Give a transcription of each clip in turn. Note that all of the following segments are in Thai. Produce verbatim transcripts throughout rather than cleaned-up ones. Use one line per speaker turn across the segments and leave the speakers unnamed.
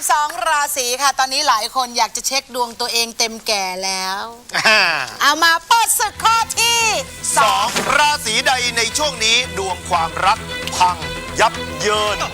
สองราศีค่ะตอนนี้หลายคนอยากจะเช็คดวงตัวเองเต็มแก่แล้วเอามาเปิดศึกข้อที่
สองราศีใดในช่วงนี้ดวงความรักพังยับเยิน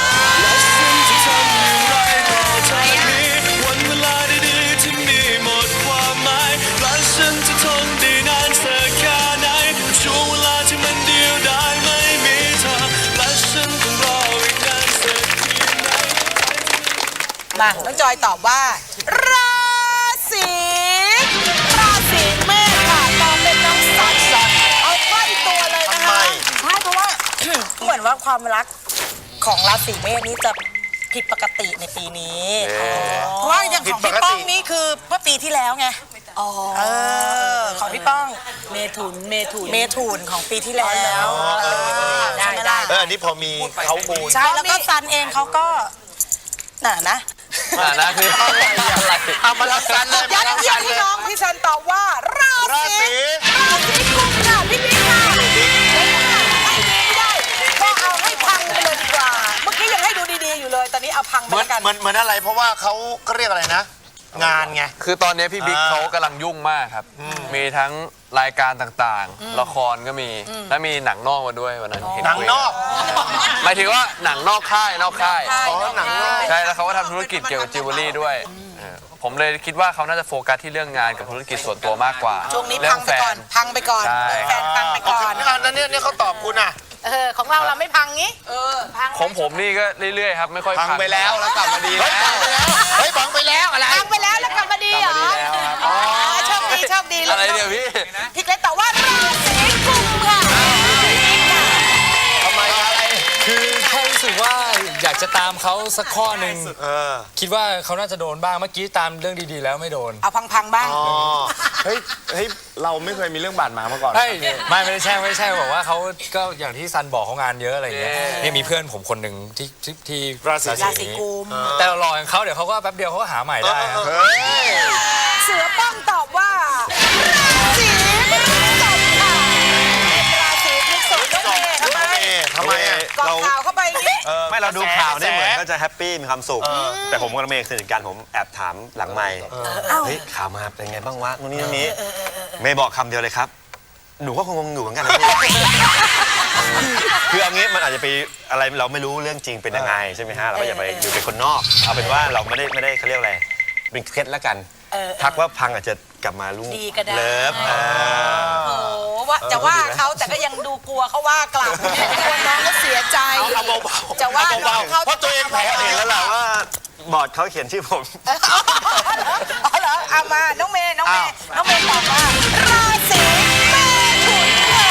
วันเวลาดีๆที่มีหมดความหมายและฉันจะทนได้นานสักแค่ไหนช่วงเวลาที่มันเดียวดายไม่มีเธอและฉันต้องรออีกนานสักทีไหน
มาน้องจอยตอบว่าราศีราศีเมษค่ะตอบเป็นน้องสันเอาใกล้ตัวเลยนะคะ
ใช่เพราะว่า เหมือนว่าความรักของราศีเมษนี้จะผิดปกติในปีนี้เพราะว่าอย่างของพี่ป้องนี่คือเมื่อปีที่แล้วไงอ๋อของพี่ป้อง
เมถุนเมถุน
เมถุนของปีที่แล้ว
ได้ได้
เอออันนี้พอมีเขามูล
ใช่แล้วก็ซันเองเขาก็น่ะนะ
น่ะนะคืออะไร
เอามาแล้วซันเลย
ยัดเยียดพี่น้องพี่ซันตอบว่าราศีราศีกุมค่ะพี่บิ๊กค่ะไม่ดีไม่ได้ก็เอาให้พังไปเลยดีกว่าเมื่อกี้ยังให้ดูดีๆอยู่เลยตอนนี้เอาพังไปกัน
เหมือนเหมือนอะไรเพราะว่าเขาก็เรียกอะไรนะงานไง
คือตอนนี้พี่บิ๊กเขากำลังยุ่งมากครับมีทั้งรายการต่างๆละครก็มีและมีหนังนอกมาด้วยวันนั้น
หนังนอก
หมายถึงว่าหนังนอกค่ายนอกค่าย
อ๋อหนังนอก
ใช่แล้วเขาก็ทำธุรกิจเกี่ยวกับจิวเวลรี่ด้วยผมเลยคิดว่าเขาน่าจะโฟกัสที่เรื่องงานกับธุรกิจส่วนตัวมากกว่า
ช่วงนี้พังไปก่อนพังไปก่อนแฟนพังไปก่อน
นั่นเนี่ยเนี่ยเขาตอบคุณอ่ะ
เออของเราเราไม่พังงี้เออพัง
ของผมนี่ก็เรื่อยๆครับไม่ค่อย
พังไปแล้วแล้วกลับมาดีแล้วเฮ้ยพังไปแล้วอะไร
พังไปแล้วแล้วกลับมาดีเหรออ๋อโชคดีโชคดี
อะไรเนี่ยพี่
พี่เล็กตอบว่าราศีกุมค่ะ
ทำไมครับ
คือแค่รู้สึกว่าอยากจะตามเขาสักข้อหนึ่งคิดว่าเขาน่าจะโดนบ้างเมื่อกี้ตามเรื่องดีๆแล้วไม่โดน
เอาพังๆบ้าง
เฮ้ยเฮ้ยเราไม่เคยมีเรื่องบาดหมางมาก่อน
ไม่ไม่ไม่ได้แช่ไม่ใช่บอกว่าเขาก็อย่างที่ซันบอกเขางานเยอะอะไรอย่างเงี้ยนี่มีเพื่อนผมคนหนึ่งที่ที่
รา
ศีกุม
แต่เรารออย่างเขาเดี๋ยวเขาก็แป๊บเดียวเขาก็หาใหม่ได้
เสือป้องตอบว่าราศีพฤษภค่ะราศีพฤษภทำไม
ทำไมอ่ะ
เราข่าวเข้าไปนี่
ไม่เราดูข่าวนี่เหมือนก็จะแฮปปี้มีความสุขแต่ผมกับเมย์สนิทกันผมแอบถามหลังไมค์เฮ้ยข่าวมาเป็นไงบ้างวะนู่นนี่นี่เมย์บอกคำเดียวเลยครับหนูก็คงงงอยู่เหมือนกันนะคือเอางี้มันอาจจะไปอะไรเราไม่รู้เรื่องจริงเป็นยังไงใช่ไหมฮะเราก็อย่าไปอยู่เป็นคนนอกเอาเป็นว่าเราไม่ได้ไม่ได้เขาเรียกอะไรเป็นเคล็ดแล้วกันทักว่าพังอาจจะกลับมาลุ่งเลิฟ
โอ้ว่าจะว่าเขาแต่ก็ยังดูกลัวเขาว่ากลับกลัวน้องก็เสียใจ
เอาเบาๆ
จะว่าเขา
เพราะตัวเองแพ้
เองแล้วแหละว่าบอร์ดเขาเขียนชื่อผม
อ๋อเหรอเอามาน้องเมย์น้องเมย์น้องเมย์ตอบว่าราศีเมถุนค่ะ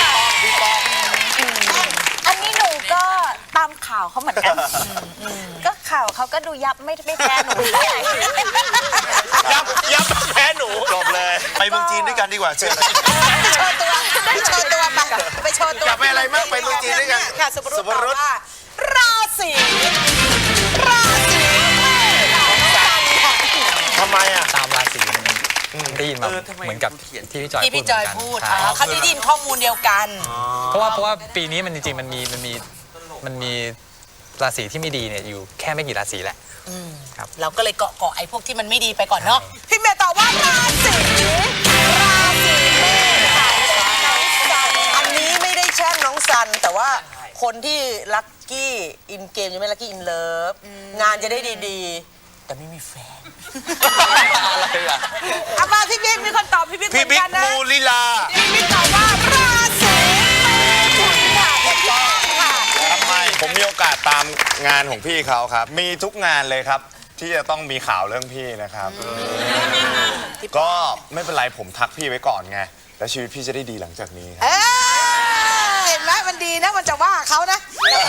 อันนี้หนูก็ตามข่าวเขาเหมือนกันก็ข่าวเขาก็ดูยับไม่ไม่แพ้หนู
ยับยับแพ้หนูจบเลยไปเมืองจีนด้วยกันดีกว่าเชิญ
ไปโชว์ตัวไปโชว์ตัวไปโชว์ตัว
อย่าไปอะไรมากไปเมืองจีนด้วยกัน
ค่ะสุภรุตตอบว่าราศีราศีเมษค่ะ
ทำไมอ่ะ
ตามราศีได้ยินมาเหมือนกับที่พี่จอย
ที่พี่จอยพูดเขาได้ยินข้อมูลเดียวกัน
เพราะว่าเพราะว่าปีนี้มันจริงๆมันมีมันมีมันมีราศีที่ไม่ดีเนี่ยอยู่แค่ไม่กี่ราศีแหละ
ครับเราก็เลยเกาะเกาะไอ้พวกที่มันไม่ดีไปก่อนเนาะพี่เมย์ตอบว่าราศีราศีเมษค่ะ
อันนี้ไม่ได้แช่งน้องซันแต่ว่าคนที่ลัคกี้อินเกมยังไม่ลัคกี้อินเลิฟงานจะได้ดีๆแต่ไม่มีแฟน
อะไรล่ะเอามาพี่บิ๊กมีคนตอบพี่บิ๊กเหมือนกันนะ
พี่บิ๊กมูลิลา
พี่บิ๊กตอบว่าราศีเมถุนค่ะถูกต้องค่ะ
ทำไมผมมีโอกาสตามงานของพี่เขาครับมีทุกงานเลยครับที่จะต้องมีข่าวเรื่องพี่นะครับก็ไม่เป็นไรผมทักพี่ไว้ก่อนไงแล้วชีวิตพี่จะได้ดีหลังจากนี้ครับ
เห็นไหมมันดีนะมันจะว่าเขานะ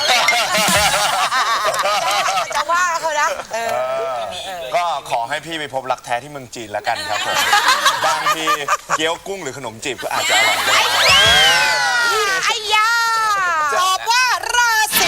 จะว่าเขานะ
ก็ขอให้พี่ไปพบรักแท้ที่เมืองจีนแล้วกันครับผมบางทีเกี๊ยวกุ้งหรือขนมจีบก็อาจจะอร่อยก็ได้
ไอ้ยาตอบว่าราศี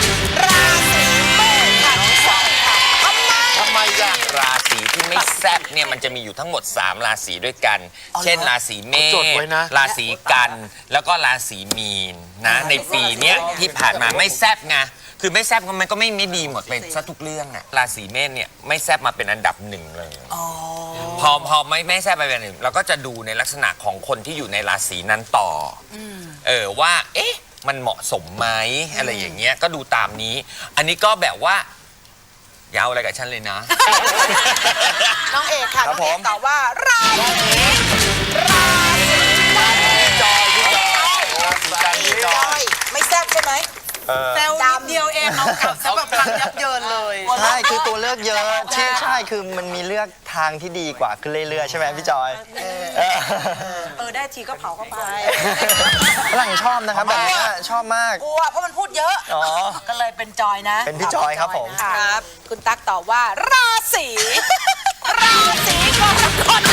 ราศีเมษค่ะน้องสาวค่ะทำไม
ทำไมจ้ะ
ราศีที่ไม่แซ่บ
เนี่ยมันจะมีอยู่ทั้งหมดสามราศีด้วยกัน เช่นราศีเม
จด
ษ
ไว้นะ
ราศีกันแล้วก็ราศีมีนนะในปีเนี้ยที่ผ่านมาไม่แซบไงคือไม่แซบมันก็ไม่ไม่ดีหมดไปซะทุกเรื่องอะราศีเมษเนี่ยไม่แซบมาเป็นอันดับหนึ่งเลยพอพอไม่ไม่แซบไปเป็นหนึ่งเราก็จะดูในลักษณะของคนที่อยู่ในราศีนั้นต่ออเออว่าเอ๊ะมันเหมาะสมไหมอะไรอย่างเงี้ยก็ดูตามนี้ อันนี้ก็แบบว่าอย่าเอาอะไรกับฉันเลยนะ
น้องเอกค่ะ
ครั
น้
บ
องเอก
ผม
ตอบว่าราศีราศี
จอยพี่จอยราศีกันพี่จ
จ
อ
อย ยไม่แซ่บใช่ไหม
แซวนิดเดียวเองน้องกลับซะแบบพังยับเยินเลย
ใช่ คือตัวเลือกเยอะที่ใช่ คือมันมีเลือกทางที่ดีกว่าขึ้นเรื่อยๆ ใช่ไหมพี่จอยเออ
เออได้ทีก็เผาเข้าไป
ฝรั่งชอบนะครับแบบนี้ชอบมาก
กลัวเพราะมันพูดเยอะ
อ๋อ
ก็เลยเป็นจอยนะ
เป็นพี่จอยครับผม
ครับ คุณตั๊กตอบว่า ราศีราศีกรกฎ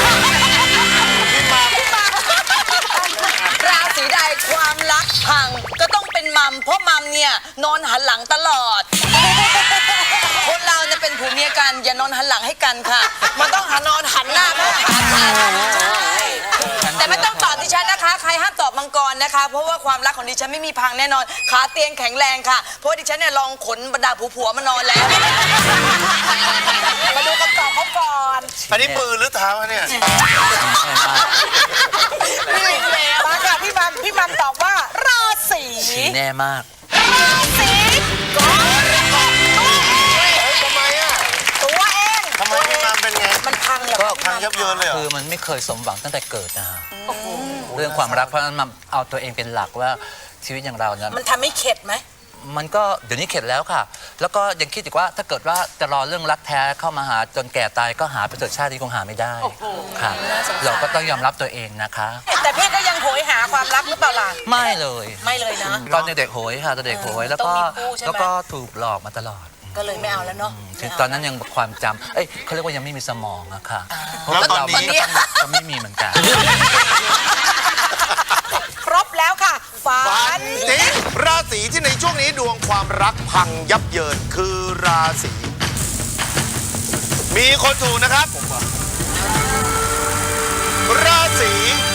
ราศีใดความรักพังก็ต้องเป็นมัมเพราะมัมเนี่ยนอนหันหลังตลอด คนเราเนี่ยเป็นผัวเมียกันอย่านอนหันหลังให้กันค่ะ มันต้องหันนอนหันหน้าเข้าหากันใช่แต่ไม่ต้องตอบดิฉันนะคะ ใครห้ามตอบมังกรนะคะ เพราะว่าความรักของดิฉันไม่มีพังแน่นอนขาเตียงแข็งแรงค่ะ เพราะว่าดิฉันเนี่ยลองขนบรรดาผัวๆมานอนแล้ว
มาดูคำตอบเขาก่อน
อันนี้ปืนหรือเท้าเนี่ย
มาค่ะพี่มันพี่มันตอบว่า ราศี
แน่มาก
ราศีกรกฎตัวเอง
ทำไมอ่ะ
ตัวเอง
ทำไมพี่มามเป็นไง
มันพังเหรอ
ก็พังยับเยินเลยเหรอ
คือมันไม่เคยสมหวังตั้งแต่เกิดนะฮะเรื่องความรักเพราะฉะนั้นมันเอาตัวเองเป็นหลักว่าชีวิตอย่างเราเนี่ย
มันทำให้เข็ดไหม
มันก็เดี๋ยวนี้เข็ดแล้วค่ะ แล้วก็ยังคิดอีกว่าถ้าเกิดว่าจะรอเรื่องรักแท้เข้ามาหาจนแก่ตายก็หาไปเถิดชาตินี้คงหาไม่ได้ค่ะเราก็ต้องยอมรับตัวเองนะคะ
แต่พี่ก็ยังโหยหาความรักหรือเปล่าล่ะ
ไม่เลย
ไม่เลยนะ
ตอนเด็กๆโหยค่ะตอนเด็กโหยแล้วก็
ต้องมีคู่ใช่ไหม
แล้วก็ถูกหลอกมาตลอด
ก็เลยไม่เอาแล้วเนาะ
ถึงตอนนั้นยังความจำเอ้ยเขาเรียกว่ายังไม่มีสมองอะค่ะเพราะ
แล้วตอน
เรา
นี้
ก็ต้องก็ไม่มีเหมือนกัน
ครบแล้วค่ะฝั
ฝั
น
นจริงราศีที่ในช่วงนี้ดวงความรักพังยับเยินคือราศีมีคนถูกนะครับ ราศี